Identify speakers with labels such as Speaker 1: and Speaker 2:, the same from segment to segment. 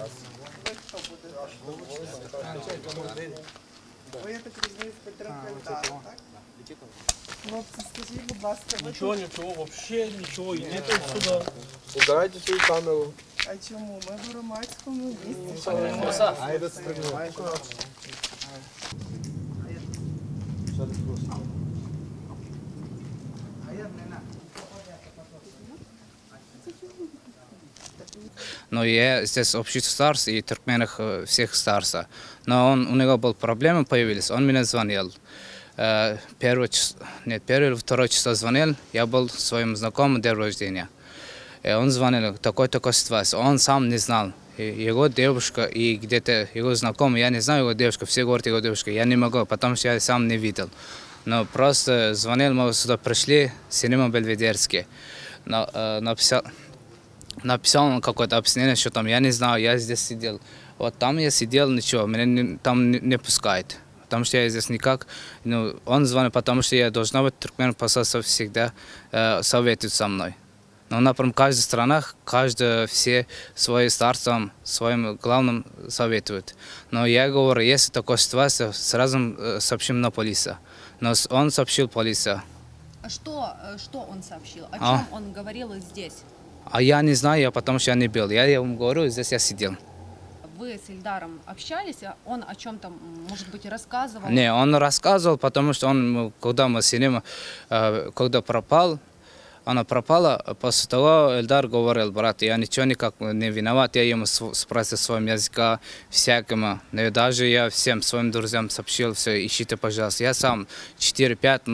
Speaker 1: Ви, я так розумію, в підтримку Ельдара, так? Хлопці, скажіть, будь ласка, ви
Speaker 2: Ничего, ничего, вообще ничего, идите отсюда.
Speaker 3: Убирайте свою камеру.
Speaker 1: А чому? Ми в громадському місці.
Speaker 4: Но я здесь общий староста и туркменах всех староста. Но у него был проблемы появились, он мне звонил. Первое или второе число звонил, я был своим знакомым день рождения. Он звонил, такой-такой ситуация, он сам не знал. Его девушка и где-то его знакомый, я не знаю его девушка, все говорят его девушка, я не могу, потому что я сам не видел. Но просто звонил, мы сюда пришли, синема Бельведерский. Написал он какое-то объяснение, что там, я не знаю, я здесь сидел. Вот там я сидел, ничего, меня там не пускают. Потому что я здесь никак, ну, он звонил, потому что я должна быть туркмен посольство всегда советует со мной. Но, например, в каждой стране, все своим старцам, своим главным советуют. Но я говорю, если такая ситуация, сразу сообщим на полицию. Но он сообщил полиция.
Speaker 5: А что он сообщил? О чем он говорил здесь?
Speaker 4: А я не знаю, потому что я не был. Я ему говорю, здесь я сидел.
Speaker 5: Вы с Ильдаром общались? Он о чем-то, может быть, рассказывал?
Speaker 4: Не, он рассказывал, потому что он, когда мы сидим, когда пропал, она пропала, после того Ильдар говорил, брат, я ничего никак не виноват, я ему спросил своим языком, всякому. Даже я всем своим друзьям сообщил, все, ищите, пожалуйста. Я сам 4-5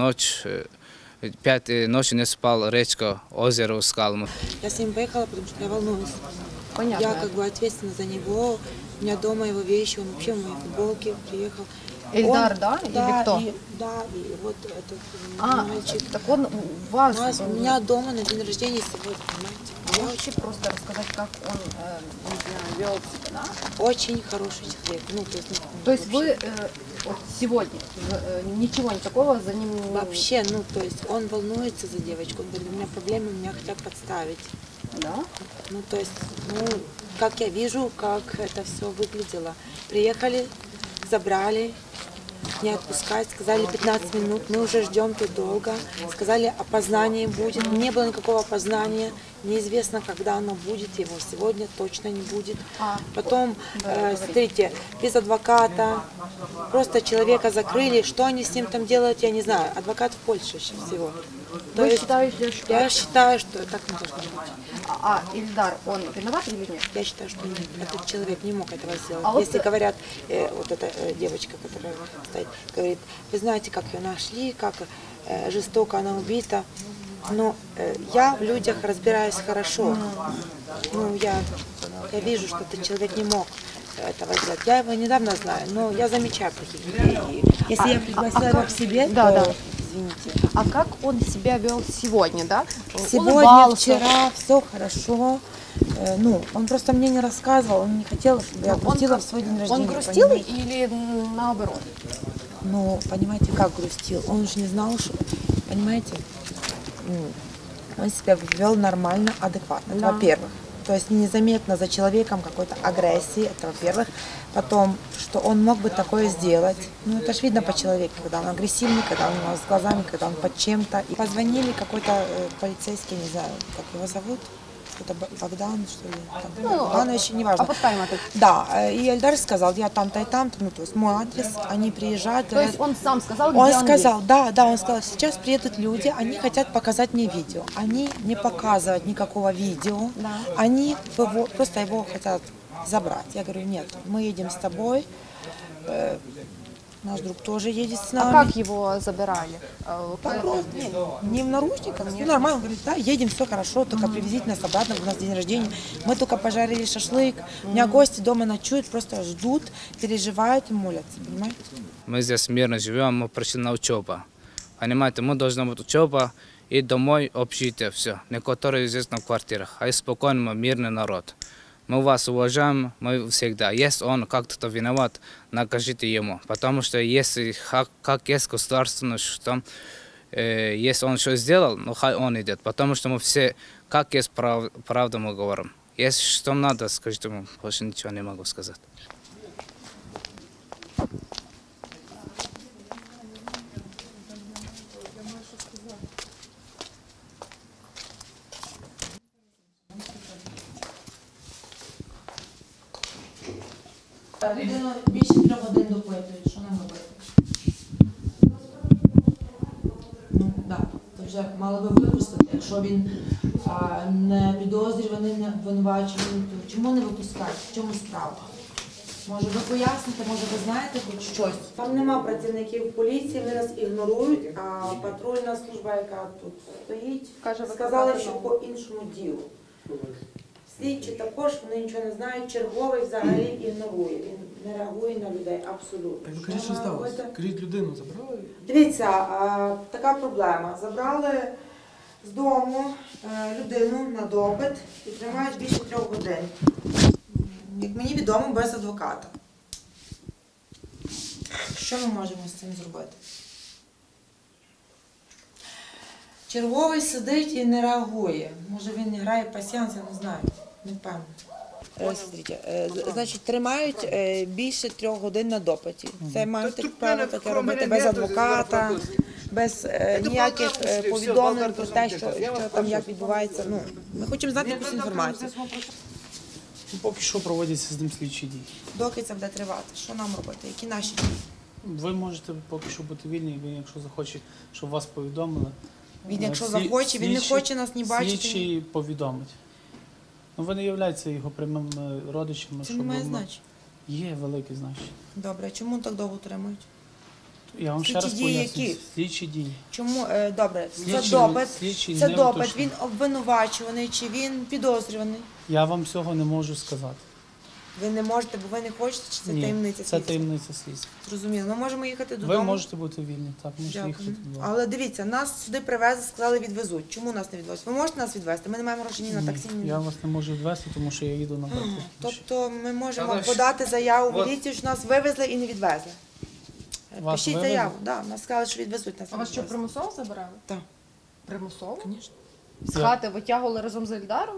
Speaker 4: ночи не спал, речка, озеро искал.
Speaker 6: Я с ним поехала, потому что я волнуюсь.
Speaker 5: Понятно.
Speaker 6: Я как бы ответственна за него. У меня дома его вещи, он вообще в моей футболке приехал.
Speaker 5: Ильдар,
Speaker 6: он,
Speaker 5: да? Или кто?
Speaker 6: Да, и вот этот мальчик.
Speaker 5: Так он у вас...
Speaker 6: У меня дома на день рождения сегодня, понимаете?
Speaker 5: Можете просто рассказать, как он вел себя, да?
Speaker 6: Очень хороший человек. Ну,
Speaker 5: То есть вы вот сегодня ничего такого за ним...
Speaker 6: Вообще, ну, то есть он волнуется за девочку, он говорит, у меня проблемы, меня хотят подставить.
Speaker 5: Да?
Speaker 6: Ну, то есть, ну, как я вижу, как это все выглядело. Приехали, забрали, не отпускать, сказали 15 минут, мы уже ждем тут долго, сказали, опознание будет, не было никакого опознания, неизвестно, когда оно будет, его сегодня точно не будет. Потом, смотрите, без адвоката, просто человека закрыли, что они с ним там делают, я не знаю, адвокат в Польше всего. То есть, я считаю, что так не должно быть.
Speaker 5: А Ильдар, он виноват или нет?
Speaker 6: Я считаю, что нет. Этот человек не мог этого сделать. Если говорят, вот эта девочка, которая стоит, говорит, вы знаете, как ее нашли, как жестоко она убита. Но я в людях разбираюсь хорошо. Ну, я вижу, что этот человек не мог этого сделать. Я его недавно знаю, но я замечаю плохих людей. Если я пригласила его к себе, то... Извините.
Speaker 5: А как он себя вел сегодня, да?
Speaker 6: Сегодня,
Speaker 5: Улыбался.
Speaker 6: вчера, все хорошо. Ну, он просто мне не рассказывал, он не хотел, чтобы я грустила в свой день рождения.
Speaker 5: Он грустил
Speaker 6: понимаете?
Speaker 5: или наоборот?
Speaker 6: Ну, понимаете, как грустил? Он же не знал, что, понимаете, он себя вел нормально, адекватно,
Speaker 5: Да.
Speaker 6: во-первых. То есть незаметно за человеком какой-то агрессии, это во-первых. Потом, что он мог бы такое сделать. Ну, это ж видно по человеку, когда он агрессивный, когда он у нас с глазами, когда он под чем-то. И позвонили какой-то полицейский, не знаю, как его зовут. Это Богдан, что ли? Богданович, неважно. Да, и Ильдар сказал, я там-то и там-то, ну, то есть мой адрес, они приезжают.
Speaker 5: То есть он сам сказал, где
Speaker 6: он
Speaker 5: он
Speaker 6: сказал,
Speaker 5: есть?
Speaker 6: да, он сказал, сейчас приедут люди, они хотят показать мне видео. Они не показывают никакого видео,
Speaker 5: Да.
Speaker 6: они просто его хотят забрать. Я говорю, нет, мы едем с тобой, наш друг тоже едет с нами.
Speaker 5: А как его забирали?
Speaker 6: Не в наручниках, ну, нормально. Он говорит, да, едем, все хорошо, только привезите нас обратно, у нас день рождения. Мы только пожарили шашлык, у меня гости дома ночуют, просто ждут, переживают и молятся, понимаете?
Speaker 4: Мы здесь мирно живем, мы пришли на учебу. Понимаете, мы должны быть учеба и домой общежитие, все. Некоторые здесь на квартирах, а и спокойно мы мирный народ. Мы вас уважаем, мы всегда. Если он как-то виноват, накажите ему. Потому что если как есть государственное, что если он что сделал, ну хай он идет. Потому что мы все, как есть правда мы говорим. Если что надо, скажите ему, больше ничего не могу сказать.
Speaker 6: Людину більше 3 годин допитують, що нам робити? Ну, так, то вже мали би випустити. Якщо він не підозрюваний, не обвинувачений, то чому не випускають? В чому справа? Може ви поясните, може ви знаєте хоч щось? Там нема працівників поліції, вони нас ігнорують, а патрульна служба, яка тут стоїть, сказала, що по іншому ділу. Слідчі також, вони нічого не знають, черговий взагалі ігнорує, він не реагує на людей абсолютно.
Speaker 7: Так кажіть, що сталося? Кажіть, людину забрали?
Speaker 6: Дивіться, така проблема. Забрали з дому людину на допит і тримають більше 3 годин. Як мені відомо, без адвоката. Що ми можемо з цим зробити? Черговий сидить і не реагує. Може він не грає пасьянс, я не знаю. Не впевнена. Смотрите, значить, тримають більше 3 годин на допиті. Це маєте право таке робити без адвоката, без ніяких повідомлень про те, що там як відбувається. Ну, ми хочемо знати якусь інформацію.
Speaker 2: Поки що проводяться з ним слідчі дії.
Speaker 6: Доки це буде тривати, що нам робити, які наші дії?
Speaker 2: Ви можете поки що бути вільні, він, якщо захоче, щоб вас повідомили.
Speaker 6: Він, якщо захоче, він не хоче нас ні бачити.
Speaker 2: Слідчий повідомить. Ну, ви не являєтеся його прямими родичами.
Speaker 6: Це не має значення.
Speaker 2: Є велике значення.
Speaker 6: Добре, чому так довго тримають?
Speaker 2: Я вам ще
Speaker 6: Слідчі
Speaker 2: раз
Speaker 6: дії
Speaker 2: поясню.
Speaker 6: які?
Speaker 2: Слідчі дії.
Speaker 6: Чому, добре, це
Speaker 2: Слідчий
Speaker 6: допит,
Speaker 2: не уточнює.
Speaker 6: він обвинувачуваний чи він підозрюваний?
Speaker 2: Я вам цього не можу сказати.
Speaker 6: Ви не можете, бо ви не хочете, чи це
Speaker 2: Ні,
Speaker 6: таємниця
Speaker 2: це
Speaker 6: слідства?
Speaker 2: таємниця слідства.
Speaker 6: Зрозуміло, ми можемо їхати додому.
Speaker 2: Ви можете бути вільні, так, можете їхати
Speaker 6: Дякую.
Speaker 2: додому.
Speaker 6: Але дивіться, нас сюди привезли, сказали відвезуть. Чому нас не відвезуть? Ви можете нас відвезти? Ми не маємо грошей ні на таксі, ні
Speaker 2: Я
Speaker 6: на...
Speaker 2: вас не можу відвести, тому що я їду на борту.
Speaker 6: Тобто ми можемо
Speaker 4: Та,
Speaker 6: подати заяву в
Speaker 4: от-
Speaker 6: міліцію, що нас вивезли і не відвезли.
Speaker 2: Вас
Speaker 6: Пишіть
Speaker 2: вивезли?
Speaker 6: заяву, да, нас сказали, що відвезуть нас.
Speaker 5: А вас що,
Speaker 6: відвезли.
Speaker 5: примусово забирали?
Speaker 6: Так.
Speaker 5: Примусово?
Speaker 6: Звісно.
Speaker 5: З хати витягували разом з Ельдаром?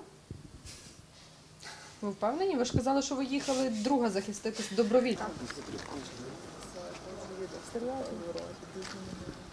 Speaker 5: Ви впевнені? Ви ж казали, що ви їхали друга захистити добровільно.